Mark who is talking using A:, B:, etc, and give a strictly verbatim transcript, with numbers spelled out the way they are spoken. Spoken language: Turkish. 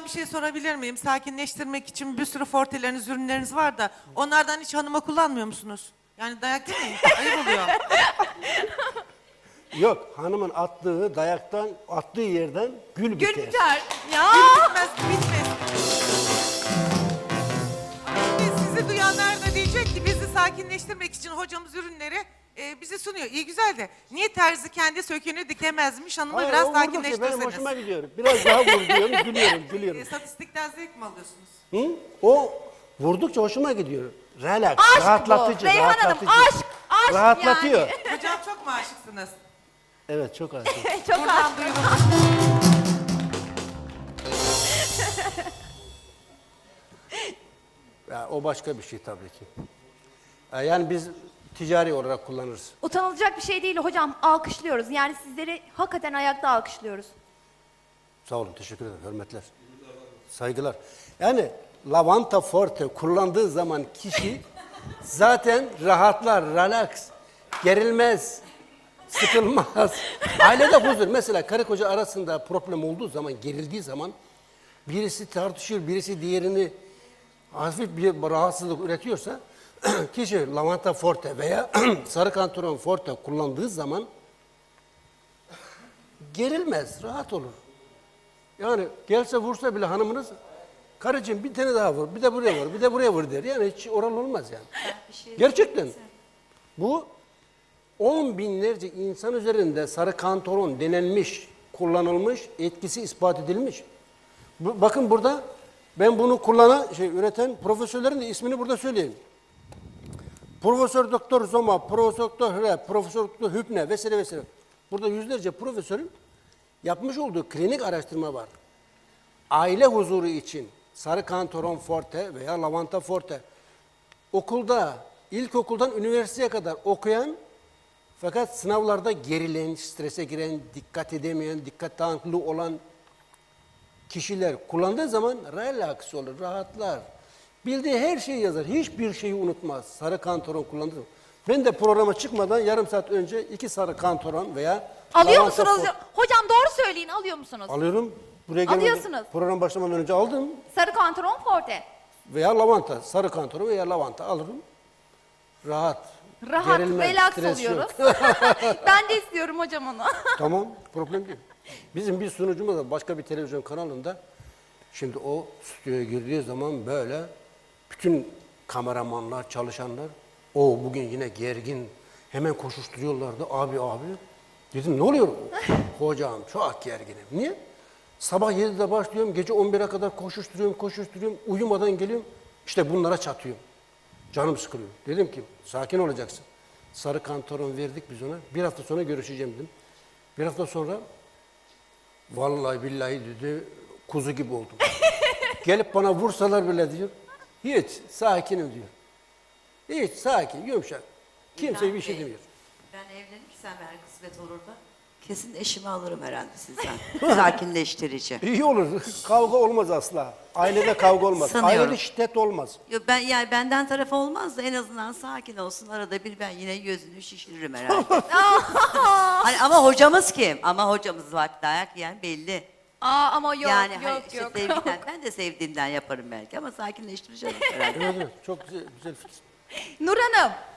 A: bir şey sorabilir miyim? Sakinleştirmek için bir sürü forteleriniz, ürünleriniz var da onlardan hiç hanıma kullanmıyor musunuz? Yani dayak yemeyin. Ayıp oluyor.
B: Yok, hanımın attığı dayaktan, attığı yerden gül biter.
C: Gül biter. Ya.
A: Bitmez, bitmez. Ay, sizi duyanlar da diyecek ki bizi sakinleştirmek için hocamız ürünleri e, bize sunuyor. İyi güzel de niye terzi kendi söküğünü dikemezmiş? Hanımı
B: Hayır,
A: biraz
B: o vurdukça benim
A: sakinleştirseniz.
B: hoşuma gidiyor. Biraz daha vur diyorum, gülüyorum, gülüyorum.
A: E, statistikten zevk mi alıyorsunuz?
B: Hı? O vurdukça hoşuma gidiyor. Relax,
C: Aşk
B: rahatlatıcı,
C: bu. Reyhan Hanım,
B: rahatlatıcı.
C: aşk, aşk
B: Rahatlatıyor.
C: yani.
A: Hocam çok mu aşıksınız?
B: Evet, çok aşık.
C: Çok
A: Buradan
C: aşk.
A: duyurun.
B: Ya, o başka bir şey tabii ki. Ya, Yani biz ticari olarak kullanırız.
C: Utanılacak bir şey değil hocam. Alkışlıyoruz. Yani sizleri hakikaten ayakta alkışlıyoruz.
B: Sağ olun, teşekkür ederim, hürmetler. Saygılar. Yani lavanta forte kullandığı zaman kişi zaten rahatlar, relax, gerilmez, sıkılmaz. Ailede huzur. Mesela karı koca arasında problem olduğu zaman, gerildiği zaman birisi tartışıyor, birisi diğerini hafif bir rahatsızlık üretiyorsa kişi lavanta forte veya sarı kantaron forte kullandığı zaman gerilmez, rahat olur. Yani gelse vursa bile hanımınız, karıcığım bir tane daha vur, bir de buraya vur, bir de buraya vur der. Yani hiç oral olmaz yani. Gerçekten. Bu on binlerce insan üzerinde sarı kantaron denenmiş, kullanılmış, etkisi ispat edilmiş. Bu, bakın burada ben bunu kullanan, şey üreten profesörlerin de ismini burada söyleyeyim. Profesör Doktor Zoma, Profesör Doktor Hre, Profesör Doktor Hübne vesaire vesaire. Burada yüzlerce profesörün yapmış olduğu klinik araştırma var. Aile huzuru için sarı kantaron forte veya lavanta forte okulda, ilkokuldan üniversiteye kadar okuyan fakat sınavlarda gerilen, strese giren, dikkat edemeyen, dikkat dağınıklığı olan kişiler kullandığı zaman relax olur, rahatlar. Bildiği her şeyi yazar, hiçbir şeyi unutmaz. Sarı kantaron kullandığı zaman. Ben de programa çıkmadan yarım saat önce iki sarı kantaron veya
C: Alıyor
B: lavanta
C: musunuz?
B: forte
C: Hocam doğru söyleyin, alıyor musunuz?
B: alıyorum. Buraya gelmeden,
C: Alıyorsunuz.
B: program başlamadan önce aldım.
C: Sarı kantaron forte.
B: Veya lavanta, sarı kantaron veya lavanta alırım. Rahat.
C: Rahat,
B: gerilmez,
C: relax
B: stres yok.
C: oluyoruz. Ben de istiyorum hocam onu.
B: Tamam, problem değil. Bizim bir sunucumuz da başka bir televizyon kanalında, şimdi o stüdyoya girdiği zaman böyle bütün kameramanlar, çalışanlar, o bugün yine gergin, hemen koşuşturuyorlardı. Abi abi, dedim ne oluyor? Hocam çok gerginim. Niye? Sabah yedide başlıyorum, gece on bire kadar koşuşturuyorum, koşuşturuyorum, uyumadan geliyorum, işte bunlara çatıyorum. Canım sıkılıyor. Dedim ki sakin olacaksın. Sarı kantaron verdik biz ona. Bir hafta sonra görüşeceğim dedim. Bir hafta sonra vallahi billahi dedi kuzu gibi oldum. Gelip bana vursalar bile diyor. Hiç sakinim diyor. Hiç sakin, yumuşak. Kimse bir şey demiyor.
D: Ben evlenirsem eğer kısmet olur da kesin eşimi alırım herhalde sizden. Sakinleştirici.
B: İyi olur. Kavga olmaz asla. Ailede kavga olmaz.
D: Sanıyorum.
B: Ailede şiddet olmaz.
D: Yo, ben yani benden taraf olmaz da en azından sakin olsun. Arada bir ben yine gözünü şişiririm herhalde. Hani ama hocamız kim? Ama hocamız var, dayak yiyen belli.
C: Aa ama yok
D: yani hani
C: yok
D: işte
C: yok.
D: sevgiden, ben de sevdiğimden yaparım belki ama sakinleştireceğim herhalde.
B: Evet, evet. Çok güzel, güzel fikir.
C: Nur Hanım.